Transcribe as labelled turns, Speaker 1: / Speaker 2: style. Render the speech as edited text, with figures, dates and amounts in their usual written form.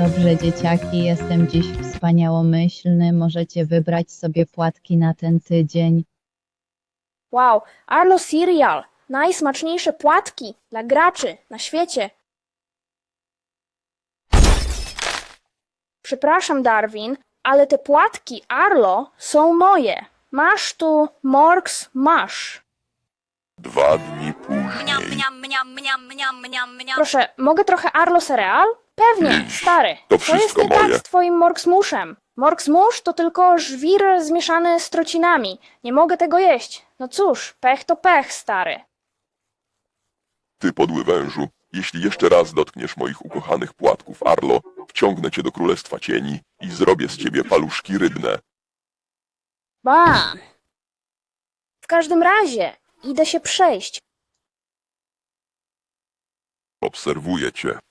Speaker 1: Dobrze, dzieciaki, jestem dziś wspaniałomyślny. Możecie wybrać sobie płatki na ten tydzień.
Speaker 2: Wow, Arlo Cereal! Najsmaczniejsze płatki dla graczy na świecie. Przepraszam, Darwin, ale te płatki Arlo są moje. Masz tu Morks Mash.
Speaker 3: 2 dni później.
Speaker 2: Proszę, mogę trochę Arlo Cereal? Pewnie, stary.
Speaker 3: To
Speaker 2: Co jest
Speaker 3: wszystko
Speaker 2: nie tak
Speaker 3: moje.
Speaker 2: z twoim Morks Mushem? Morks Mush to tylko żwir zmieszany z trocinami. Nie mogę tego jeść. No cóż, pech to pech, stary.
Speaker 3: Ty podły wężu, jeśli jeszcze raz dotkniesz moich ukochanych płatków, Arlo, wciągnę cię do Królestwa Cieni i zrobię z ciebie paluszki rybne.
Speaker 2: Bam! W każdym razie, idę się przejść.
Speaker 3: Obserwuję cię.